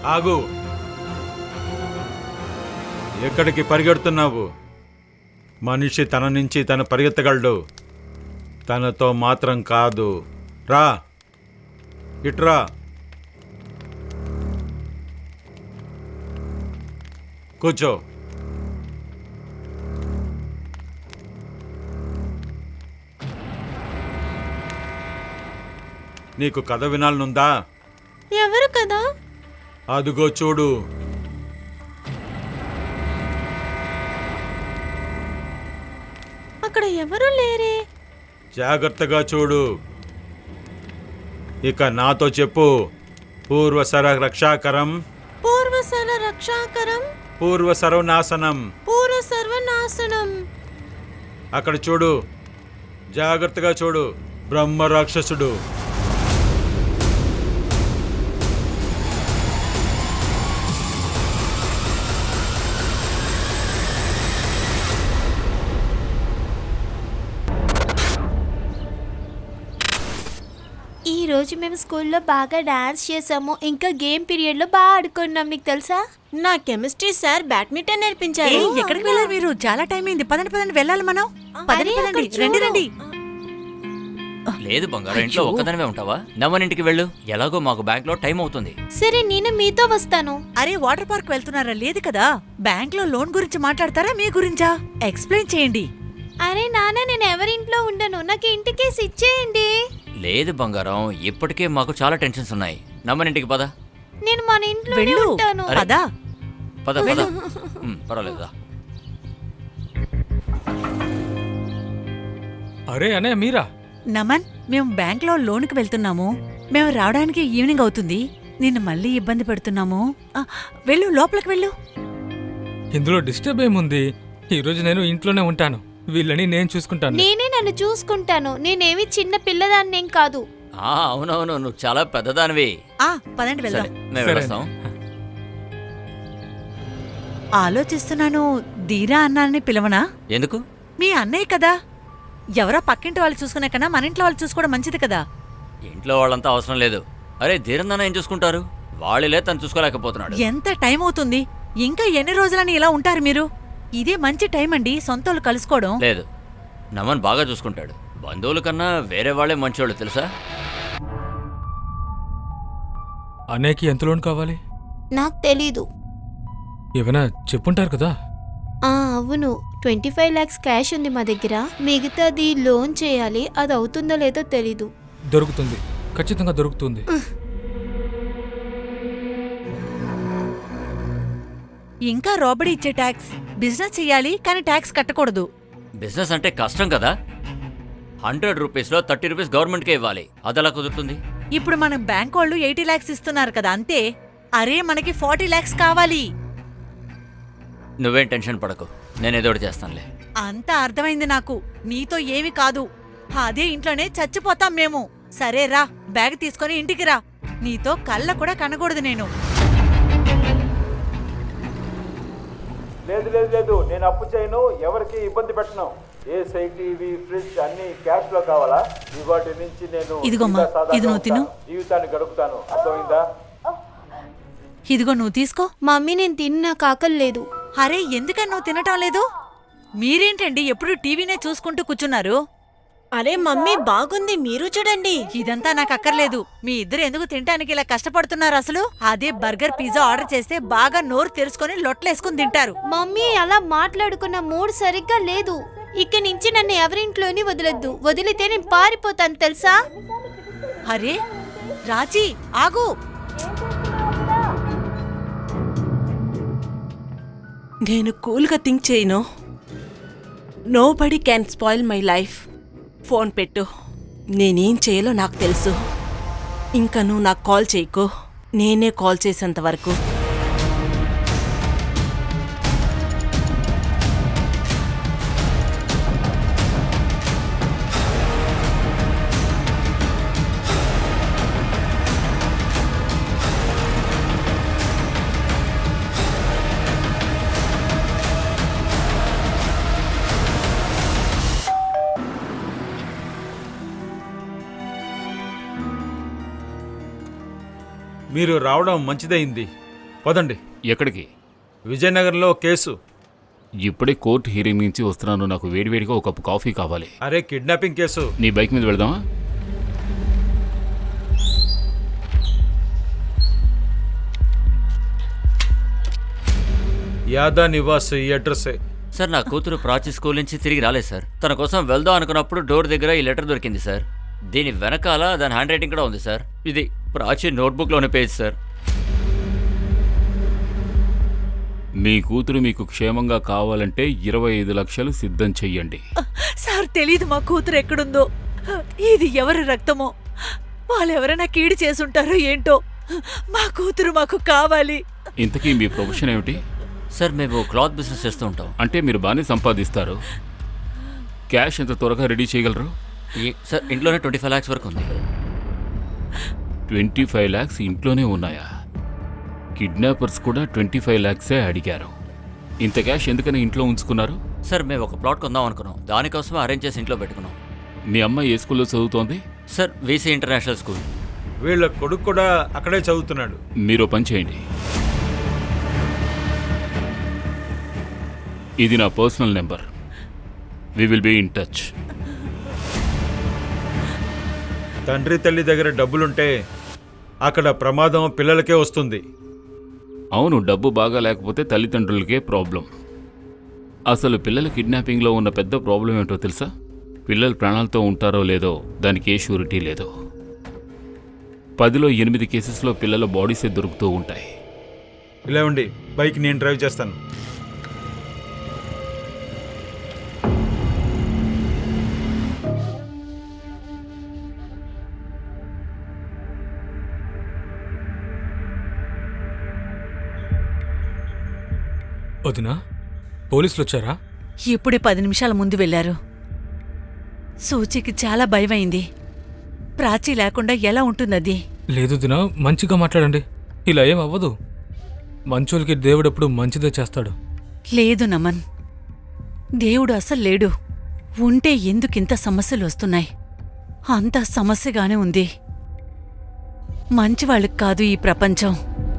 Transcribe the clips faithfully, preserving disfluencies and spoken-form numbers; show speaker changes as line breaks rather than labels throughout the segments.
ఆగు. ఎక్కడికి పరిగెడుతున్నావు? మనిషి తన నుంచి తను పరిగెత్తగలడు, తనతో మాత్రం కాదు. రా, ఇట్రా. కూర్చో. నీకు కథ వినాలనుందా?
ఎవరు కదా?
అదుగో చూడు.
అక్కడ ఎవరు లేరే.
జాగ్రత్తగా చూడు. ఇక నాతో చెప్పు. పూర్వసర రక్షాకరం,
పూర్వసర రక్షాకరం,
పూర్వ సర్వనాశనం.
పూర్వ సర్వనాశనం.
అక్కడ చూడు, జాగ్రత్తగా చూడు. బ్రహ్మ రాక్షసుడు.
ఈ రోజు మేము స్కూల్లో బాగా డాన్స్ చేసాము. ఇంకా గేమ్ పీరియడ్ లో బాగా ఆడుకున్నాం. నీకు తెలుసా, నా కెమిస్ట్రీ సార్ బ్యాడ్మింటన్ నేర్పించారు.
ఏయ్, ఎక్కడికి వెళ్ళారు మీరు? చాలా టైం అయింది. పదండి పదండి, వెళ్ళాలి మనం. పదండి
అరే,
పదండి,
అక్కడ
రండి
చూడు.
రండి.
లేదు బంగారం, ఇంట్లో ఒక్కదనమే ఉంటావా? నమ్మనింటికి వెళ్ళు. ఎలాగో మాకు బ్యాంక్ లో టైం అవుతుంది.
సరే, నేను మీతో వస్తాను.
అరే, వాటర్ పార్క్ వెళ్తున్నారా? లేదు కదా. బ్యాంక్ లో లోన్ గురించి మాట్లాడతారా, మీ గురించా? ఎక్స్ప్లెయిన్ చేయండి.
అరే నాన్న, నేను ఎవరింట్లో ఉండను. నాకు ఇంటికేసి ఇచ్చేయండి.
లేదు బంగారం, ఇప్పటికే మాకు చాలా టెన్షన్స్ ఉన్నాయి. నమ్మనింటికి పద.
నేను మన ఇంట్లో
వెళ్ళు
ఉంటాను.
పదా.
పద పద. ఉమ్, పర్వాలేదా?
అరే అనే మీరా?
నమన్, మేము బ్యాంక్ లో లోన్ కి వెళ్తున్నాము. మేము రావడానికి ఈవినింగ్ అవుతుంది. నిన్ను మళ్ళీ ఇబ్బంది పెడుతున్నాము. ఆ, వెళ్ళు, లోపలికి వెళ్ళు.
ఇందులో డిస్టర్బ్ ఏముంది? ఈ రోజు నేను ఇంట్లోనే ఉంటాను. వీళ్ళని నేను చూసుకుంటాను.
నేనే నన్ను చూసుకుంటాను. నేనేమి చిన్న పిల్లదాన్నేం కాదు.
ఆ, అవునవును, నువ్వు చాలా పెద్దదానివి.
ఆ, పదండి వెళ్దాం.
సరే, మేము
సరే.
వెళ్ళొస్తాం.
ఆలోచిస్తున్నాను, ధీరా అన్నాన్ని పిలవనా?
ఎందుకు?
మీ అన్నయ్య కదా. ఎవరో పక్కింటి వాళ్ళు చూసుకునే కన్నా మన ఇంట్లో వాళ్ళు చూసుకోవడం మంచిది కదా.
ఇంట్లో వాళ్ళంతా అవసరం లేదు. అరే, ధీరందన్న ఏం చూసుకుంటారు? వాళ్ళే తను చూసుకోలేకపోతున్నాడు.
ఎంత టైం అవుతుంది? ఇంకా ఎన్ని రోజులని ఇలా ఉంటారు మీరు? ఇదే మంచి టైం అండి, సొంతోళ్ళు కలుసుకోవడం.
లేదు, నమన్ బాగా చూసుకుంటాడు. బంధువుల కన్నా వేరే వాళ్ళే మంచోళ్ళు, తెలుసా?
అన్నయ్యకి ఎంత లోన్ కావాలి?
నాకు తెలీదు.
ఏమైనా చెప్పుంటారు కదా.
ఆ అవును, ట్వంటీ ఫైవ్ లాక్స్ క్యాష్ ఉంది మా దగ్గర. మిగతాది లోన్ చేయాలి. అది అవుతుందో లేదో తెలీదు.
దొరుకుతుంది, ఖచ్చితంగా దొరుకుతుంది.
ఇంకా రాబడి ఇచ్చే ట్యాక్స్. బిజినెస్ చెయ్యాలి కానీ ట్యాక్స్ కట్టకూడదు.
బిజినెస్ అంటే కష్టం కదా. హండ్రెడ్ రూపీస్ లో థర్టీ రూపీస్ గవర్నమెంట్కే ఇవ్వాలి. అదెలా కుదురుతుంది?
ఇప్పుడు మనం బ్యాంక్ వాళ్ళు ఎయిటీ లాక్స్ ఇస్తున్నారు కదా, అంతే. అరే, మనకి ఫార్టీ లాక్స్ కావాలి.
నువ్వేం టెన్షన్ పడకు, నేనేదో ఒకటి చేస్తానులే.
అంతా అర్థమైంది నాకు. నీతో ఏమి కాదు. అదే ఇంట్లోనే చచ్చిపోతాం మేము. సరే రా, బ్యాగ్ తీసుకొని ఇంటికి రా. నీతో కళ్ళ కూడా కనకూడదు నేను.
లేదు లేదు లేదు, నేను అప్పు చేయను, ఎవరికి ఇబ్బంది పెట్టను. ఏసీ, టీవీ, ఫ్రిడ్జ్ అన్ని క్యాష్ లో కావాలా? ఇవాటి నుంచి నేను
ఇదిగోమ్మా, ఇది నువ్వు తిను.
జీవితాన్ని గడుపుతాను. అర్థమైందా?
ఇదిగో నువ్వు తీసుకో.
మమ్మీ, నేను తిన్నా, కాకలు లేదు.
అరే, ఎందుకని నువ్వు తినటం లేదు? మీరేంటండి ఎప్పుడు టీవీనే చూసుకుంటూ కూర్చున్నారు?
అరే మమ్మీ, బాగుంది, మీరు చూడండి.
ఇదంతా నాకు అక్కర్లేదు. మీ ఇద్దరు ఎందుకు తినడానికి ఇలా కష్టపడుతున్నారు అసలు? అదే బర్గర్, పిజ్జా ఆర్డర్ చేస్తే బాగా నోరు తెరుచుకొని లొట్లేసుకుని తింటారు.
మమ్మీ, అలా మాట్లాడుకున్న మూడ్ సరిగ్గా లేదు. ఇక నుంచి నన్ను ఎవరింట్లోని వదలొద్దు. వదిలితే నేను పారిపోతాను, తెలుసా?
అరే రాజీ, ఆగు.
నేను కూల్గా థింక్ చేయను. Nobody can spoil my life. Phone పెట్టు. నేనేం చేయాలో నాకు తెలుసు. ఇంకా నువ్వు నాకు కాల్ చేయకు. నేనే కాల్ చేసేంత వరకు.
మీరు రావడం మంచిదైంది. పదండి.
ఎక్కడికి?
విజయనగరంలో కేసు.
ఇప్పుడే కోర్టు హీరింగ్ నుంచి వస్తున్నాను. నాకు వేడివేడిగా ఒక కప్పు కాఫీ కావాలి.
అరే కిడ్నాపింగ్ కేసు.
నీ బైక్ మీద వెళదామా?
యాదా నివాస్ ఈ అడ్రస్సే.
సార్ నా కూతురు ప్రాచి స్కూల్ నుంచి తిరిగి రాలేదు సార్. తన కోసం వెళ్దాం అనుకున్నప్పుడు డోర్ దగ్గర ఈ లెటర్ దొరికింది సార్. దీని వెనకాల దాని హ్యాండ్ రైటింగ్ కూడా ఉంది సార్. ఇది ప్రాచి నోట్బుక్లోని పేజ్ సార్.
మీ కూతురు మీకు క్షేమంగా కావాలంటే ఇరవై ఐదు లక్షలు సిద్ధం చెయ్యండి.
సార్ తెలీదు మా కూతురు ఎక్కడుందో. ఇది ఎవరి రక్తమో, వాళ్ళెవరైనా కీడు చేసుంటారో ఏంటో. మా కూతురు మాకు కావాలి.
ఇంతకీ మీ ప్రొఫెషన్ ఏమిటి?
సార్ మేము క్లాత్ బిజినెస్ చేస్తూ ఉంటాం.
అంటే మీరు బాగానే సంపాదిస్తారు. క్యాష్ ఎంత త్వరగా రెడీ చేయగలరు?
ఈ- సార్ ఇంట్లోనే ట్వంటీ ఫైవ్ ల్యాక్స్ వరకు ఉంది.
ట్వంటీ ఫైవ్ ల్యాక్స్ ఇంట్లోనే ఉన్నాయా? కిడ్నాపర్స్ కూడా ట్వంటీ ఫైవ్ ల్యాక్సే అడిగారు. ఇంత క్యాష్ ఎందుకని ఇంట్లో ఉంచుకున్నారు?
సార్ మేము ఒక ప్లాట్ కొందాం అనుకున్నాం. దానికోసమే అరేంజ్ చేసి ఇంట్లో పెట్టుకున్నాం.
మీ అమ్మాయి ఏ స్కూల్లో చదువుతోంది?
Sir VC international school.
వీళ్ళ కొడుకు కూడా అక్కడే చదువుతున్నాడు.
మీరు పని చేయండి. ఇది నా personal number. We will be in touch.
తండ్రి తల్లి దగ్గర డబ్బులుంటే అక్కడ ప్రమాదం పిల్లలకే వస్తుంది.
అవును, డబ్బు బాగా లేకపోతే తల్లిదండ్రులకే ప్రాబ్లం. అసలు పిల్లల కిడ్నాపింగ్లో ఉన్న పెద్ద ప్రాబ్లం ఏంటో తెలుసా? పిల్లలు ప్రాణాలతో ఉంటారో లేదో దానికి ఏ షూరిటీ లేదు. పదిలో ఎనిమిది కేసెస్లో పిల్లల బాడీసే దొరుకుతూ ఉంటాయి.
ఇలా ఉండి బైక్ నేను డ్రైవ్ చేస్తాను.
వదినా, పోలీసులు వచ్చారా?
ఇప్పుడే పది నిమిషాల ముందు వెళ్లారు. సూచికి చాలా భయమైంది. ప్రాచి లేకుండా ఎలా ఉంటుందది?
లేదు దినా, మంచిగా మాట్లాడండి. ఇలా ఏం అవ్వదు. మంచోళ్ళకి దేవుడెప్పుడు మంచిదే చేస్తాడు.
లేదు నమన్, దేవుడు అసలు లేడు. ఉంటే ఎందుకింత సమస్యలు వస్తున్నాయి? అంత సమస్యగానే ఉంది. మంచివాళ్ళకి కాదు ఈ ప్రపంచం.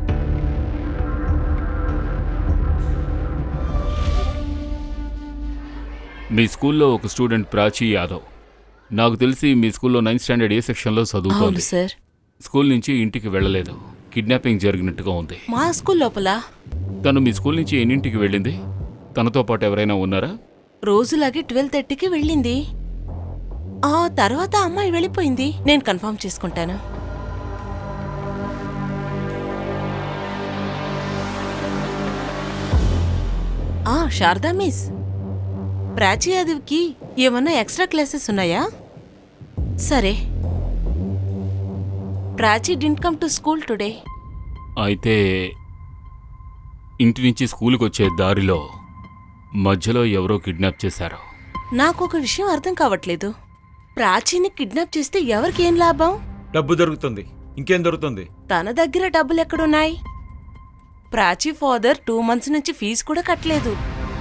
మీ స్కూల్లో ఒక స్టూడెంట్ ప్రాచీ యాదవ్. నాకు తెలిసి మీ స్కూల్లో నైన్త్ స్టాండర్డ్ ఏ సెక్షన్లో
అవును
చదువుతోంది.
సార్.
స్కూల్ నుంచి ఇంటికి వెళ్ళలేదు. కిడ్నాపింగ్ జరిగినట్టుగా ఉంది.
మా స్కూల్ లోపల
తను మీ స్కూల్ నుంచి ఎన్నింటికి వెళ్ళింది? తనతో పాటు ఎవరైనా ఉన్నారా?
రోజులాగే ట్వెల్వ్ థర్టీకి వెళ్ళింది. ఆ తర్వాత అమ్మాయి వెళ్ళిపోయింది. నేను కన్ఫర్మ్ చేసుకుంటాను. ఆ శారదా మిస్, ప్రాచీ యాదవ్కి ఏమన్నా ఎక్స్ట్రా క్లాసెస్ ఉన్నాయా? సరే. Prachi didn't come to school today.
అయితే ఇంటి నుంచి స్కూల్కి వచ్చే దారిలో మధ్యలో ఎవరో కిడ్నాప్ చేశారు.
నాకు ఒక విషయం అర్థం కావట్లేదు. ప్రాచీని కిడ్నాప్ చేస్తే ఎవరికి ఏం లాభం?
డబ్బు దొరుకుతుంది, ఇంకేం దొరుకుతుంది?
తన దగ్గర డబ్బులు ఎక్కడున్నాయి? ప్రాచీ ఫాదర్ టూ మంత్స్ నుంచి ఫీజు కూడా కట్టలేదు.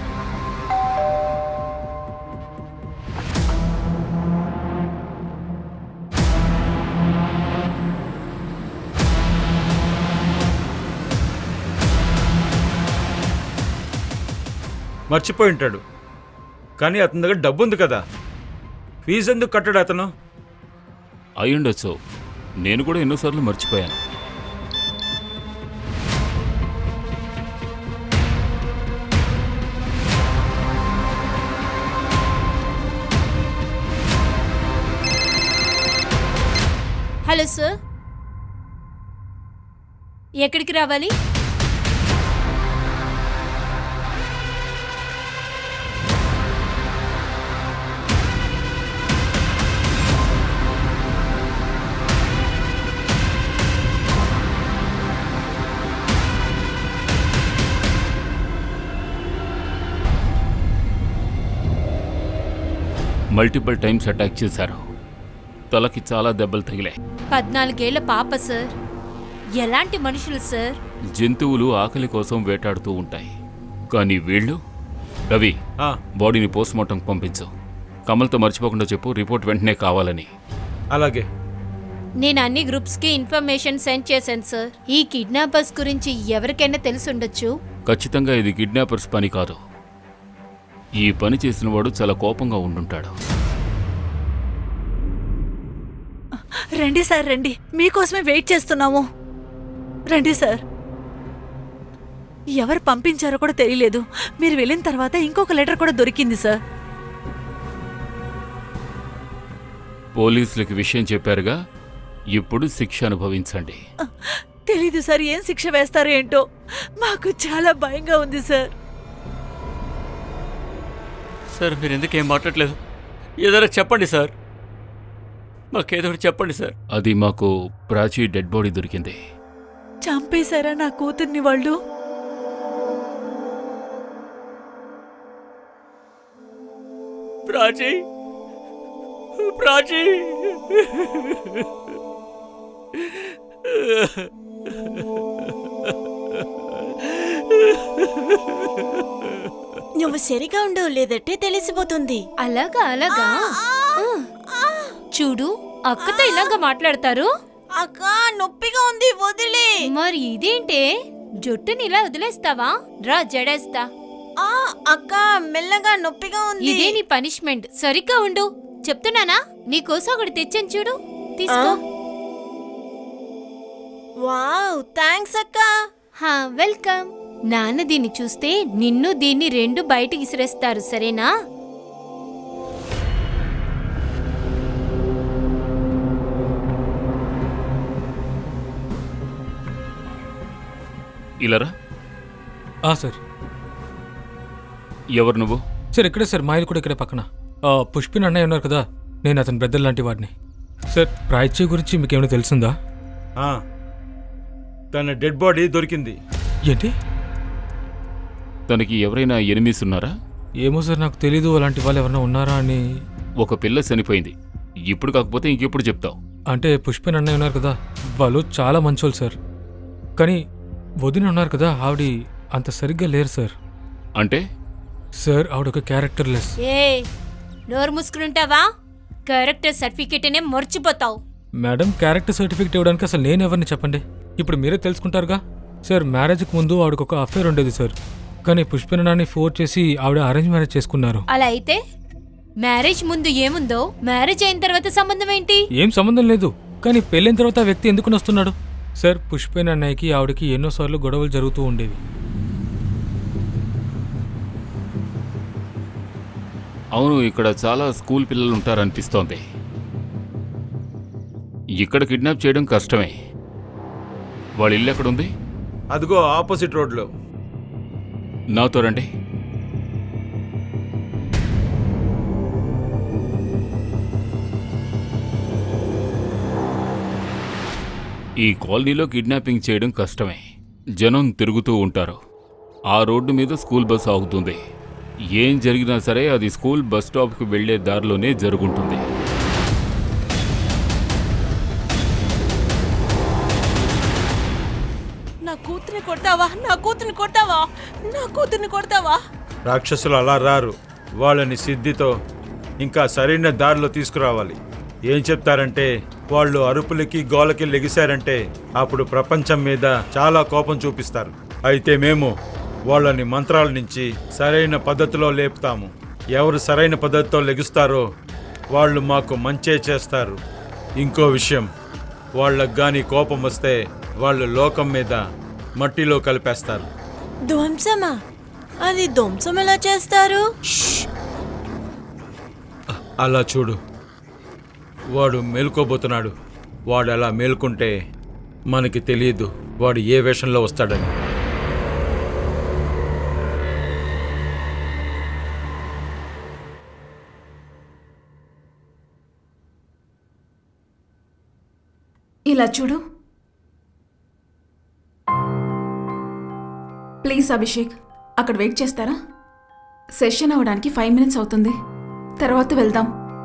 మర్చిపోయి ఉంటాడు. కానీ అతని దగ్గర డబ్బు ఉంది కదా, ఫీజు ఎందుకు కట్టాడు అతను?
అయ్యుండొచ్చు. నేను కూడా ఎన్నోసార్లు మర్చిపోయాను.
హలో సార్, ఎక్కడికి రావాలి?
మల్టిపుల్ టైమ్స్ అటాక్ చేశారు. తలకి చాలా దెబ్బలు తగిలాయి.
పద్నాలుగేళ్ల పాప సార్. ఎలాంటి మనుషులు సార్?
జంతువులు ఆకలి కోసం వేటాడుతూ ఉంటాయి. కానీ వీళ్ళు... రవి,
ఆ,
బాడీని పోస్ట్మార్టం పంపించు. కమల్తో మర్చిపోకుండా చెప్పు, రిపోర్ట్ వెంటనే కావాలని.
అలాగే.
నేను అన్ని గ్రూప్స్ కి ఇన్ఫర్మేషన్ సెండ్ చేశాను సార్. ఈ కిడ్నాపర్స్ గురించి ఎవరికైనా తెలిసి ఉండొచ్చు.
ఖచ్చితంగా ఇది కిడ్నాపర్స్ పని కాదు. ఈ పని చేసిన వాడు చాలా కోపంగా ఉండుంటాడు.
రండి సార్, రండి, మీకోసమే వెయిట్ చేస్తున్నాము. రండి సార్. ఎవరు పంపించారో కూడా తెలియలేదు. మీరు వెళ్ళిన తర్వాత ఇంకొక లెటర్ కూడా దొరికింది సార్.
పోలీసులకి విషయం చెప్పారుగా, ఇప్పుడు శిక్ష అనుభవించండి.
తెలీదు సార్, ఏం శిక్ష వేస్తారో ఏంటో. మాకు చాలా భయంగా ఉంది సార్.
సార్ మీరు ఎందుకేం మాట్లాడలేదు? ఏదైనా చెప్పండి సార్, మాకేదో ఒకటి చెప్పండి సార్.
అది మాకు ప్రాచీ డెడ్ బాడీ దొరికింది.
చంపేశారా నా కూతుర్ని వాళ్ళు?
ప్రాచీ, ప్రాచీ.
నువ్వు సరిగా ఉండు, లేదంటే తెలిసిపోతుంది.
అలాగా అలాగా ఆ. చూడు, అక్కతో ఇలాగా మాట్లాడతారు.
అక్క నొప్పిగా ఉంది, వదిలే.
మరి ఇదేంటే, జుట్టుని ఇలా వదిలేస్తావా? రా జడేస్తా.
ఆ అక్క మెల్లగా, నొప్పిగా ఉంది.
ఇదే నీ పనిష్మెంట్. సరిగ్గా ఉండు చెప్తున్నానా. నీకోసం ఒకటి తెచ్చాను చూడు, తీసుకో.
వావ్, థాంక్స్ అక్క.
హా, వెల్కమ్. నాన్న దీన్ని చూస్తే నిన్ను దీన్ని రెండు బయటికి విసిరేస్తారు, సరేనా?
ఇలారా.
ఆ సార్.
ఎవరు నువ్వు?
సార్ ఇక్కడే సార్, మా ఇల్లు కూడా ఇక్కడే పక్కన. ఆ, పుష్పిన్ అన్నయ్య ఉన్నారు కదా, నేను అతని బ్రదర్ లాంటి వాడిని. సార్ ప్రాచ్య గురించి మీకు ఏమైనా తెలిసిందా?
ఆ, తన డెడ్ బాడీ దొరికింది.
ఏంటి?
తనకి ఎవరైనా ఎనిమిస్ ఉన్నారా?
ఏమో సార్, నాకు తెలీదు అలాంటి వాళ్ళు ఎవరైనా ఉన్నారా అని.
ఒక పిల్ల చనిపోయింది. ఇప్పుడు కాకపోతే ఇంకెప్పుడు చెప్తావు?
అంటే పుష్పిన్ అన్నయ్య ఉన్నారు కదా, వాళ్ళు చాలా మంచోళ్ళు సార్. కానీ వదిన ఉన్నారు కదా, ఆవిడ అంత సరిగ్గా లేరు సార్.
అంటే
సార్ ఆవిడ ఒక క్యారెక్టర్ లెస్.
ఏ నోరు మూసుకుంటావా? క్యారెక్టర్ సర్టిఫికేట్ అనే మర్చిపోతావు.
మేడం, క్యారెక్టర్ సర్టిఫికేట్ ఇవ్వడానికి అసలు నేను ఎవరిని చెప్పండి, ఇప్పుడు మీరే తెలుసుకుంటారుగా. సార్ మ్యారేజ్కి ముందు ఆవిడకు ఒక అఫేర్ ఉండేది సార్, కానీ పుష్పిన్ అన్నని ఫోర్స్ చేసి ఆవిడ అరేంజ్ మ్యారేజ్ చేసుకున్నారు.
అలా అయితే మ్యారేజ్ ముందు ఏముందో మ్యారేజ్ అయిన తర్వాత సంబంధం ఏంటి?
ఏం సంబంధం లేదు, కానీ పెళ్ళైన తర్వాత ఆ వ్యక్తి ఎందుకు వస్తున్నాడు? సార్ పుష్పిన్ అన్నయ్యకి ఆవిడకి ఎన్నోసార్లు గొడవలు జరుగుతూ ఉండేవి.
అవును, ఇక్కడ చాలా స్కూల్ పిల్లలు ఉంటారనిపిస్తోంది. ఇక్కడ కిడ్నాప్ చేయడం కష్టమే. వాళ్ళ ఇల్లు ఎక్కడుంది?
అదిగో ఆపోజిట్ రోడ్లో.
నాతో రండి. ఈ కాలనీలో కిడ్నాపింగ్ చేయడం కష్టమే. జనం తిరుగుతూ ఉంటారు. ఆ రోడ్డు మీద స్కూల్ బస్ ఆగుతుంది. ఏం జరిగినా సరే అది స్కూల్ బస్ స్టాప్కి వెళ్లే దారిలోనే జరుగుంటుంది.
నా కూతుర్ని కొడతావా? నా కూతుర్ని కొడతావా? నా కూతుర్ని కొడతావా?
రాక్షసులు అలా రారు. వాళ్ళని సిద్ధితో ఇంకా సరైన దారిలో తీసుకురావాలి. ఏం చెప్తారంటే, వాళ్ళు అరుపులకి గోలకి లెగిశారంటే అప్పుడు ప్రపంచం మీద చాలా కోపం చూపిస్తారు. అయితే మేము వాళ్ళని మంత్రాల నుంచి సరైన పద్ధతిలో లేపుతాము. ఎవరు సరైన పద్ధతితో లెగుస్తారో వాళ్ళు మాకు మంచే చేస్తారు. ఇంకో విషయం, వాళ్ళకు గాని కోపం వస్తే వాళ్ళు లోకం మీద మట్టిలో కలిపేస్తారు.
ధ్వంసమా? అది ధ్వంసం ఎలా చేస్తారు?
అలా చూడు, వాడు మేల్కోబోతున్నాడు. వాడు అలా మేల్కుంటే మనకి తెలియదు వాడు ఏ వేషంలో వస్తాడని.
ఇలా చూడు ప్లీజ్. అభిషేక్, అక్కడ వెయిట్ చేస్తారా? సెషన్ అవ్వడానికి ఫైవ్ మినిట్స్ అవుతుంది, తర్వాత వెళ్దాం.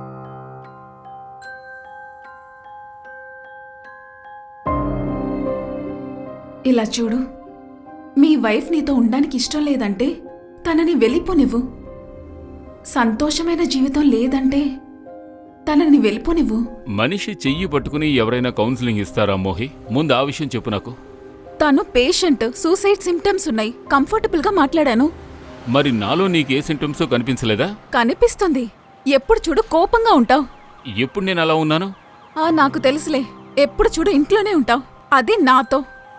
ఇలా చూడు, మీ వైఫ్ నీతో ఉండడానికి ఇష్టం లేదంటే తనని వెళ్ళిపోనివ్వు. సంతోషమైన జీవితం లేదంటే తనని వెళ్ళిపోనివ్వు.
మనిషి చెయ్యి పట్టుకుని ఎవరైనా కౌన్సిలింగ్ ఇస్తారా మోహి? ముందు ఆ విషయం చెప్పు నాకు.
తను పేషెంట్, సూసైడ్ సిమ్టమ్స్ ఉన్నాయి. కంఫర్టబుల్ గా మాట్లాడాను.
మరి నాలో నీకే సింటమ్స్ కనిపించలేదా?
కనిపిస్తుంది. ఎప్పుడు చూడు కోపంగా ఉంటావు.
ఎప్పుడు నేను అలా ఉన్నాను?
ఆ నాకు తెలుసులే. ఎప్పుడు చూడు ఇంట్లోనే ఉంటావు, అది నాతో.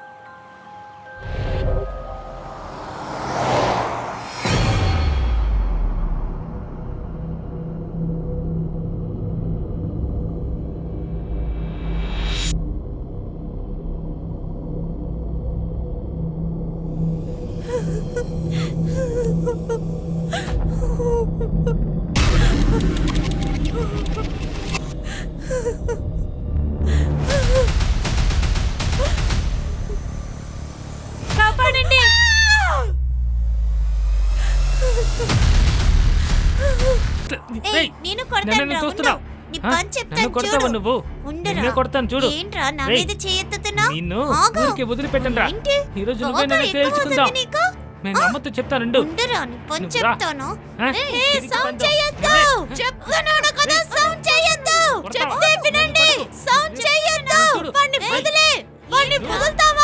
కాపాడండి. ఏయ్, నేను కొడతాను
నన్ను
రా,
చూస్తున్నావ్?
ఉండు. నీ
ఆ?
పని చెప్తాను
నన్ను కొడతావా
చూడు.
నువ్వు?
ఉండరా.
నిన్నే కొడతాను చూడు.
ఏంట్రా నా
ఏయ్,
మీద చేయెత్తుతున్నావ్?
నిన్ను
ఆగు.
ఊరికే వదిలిపెట్టను రా.
ఏంటి?
ఈ రోజు నువ్వే
కోపం
నన్ను
ఎక్కువ
తేల్చుకుందాం.
అవుతుంది నీకు?
నేను అమ్మతో చెప్తానుండు.
ఉండరా, నీ పని
నువ్వు రా.
చెప్తాను.
ఆ?
ఏయ్,
తిరిగి
సౌండ్
పందో.
చేయొద్దు. చెప్తున్నాను కదా, సౌండ్ చేయొద్దు.
కొడతావా?
చెప్తే వినండి. సౌండ్ చేయొద్దు.
చూడు.
వాణ్ణి వదిలే. వాణ్ణి వదులుతావా?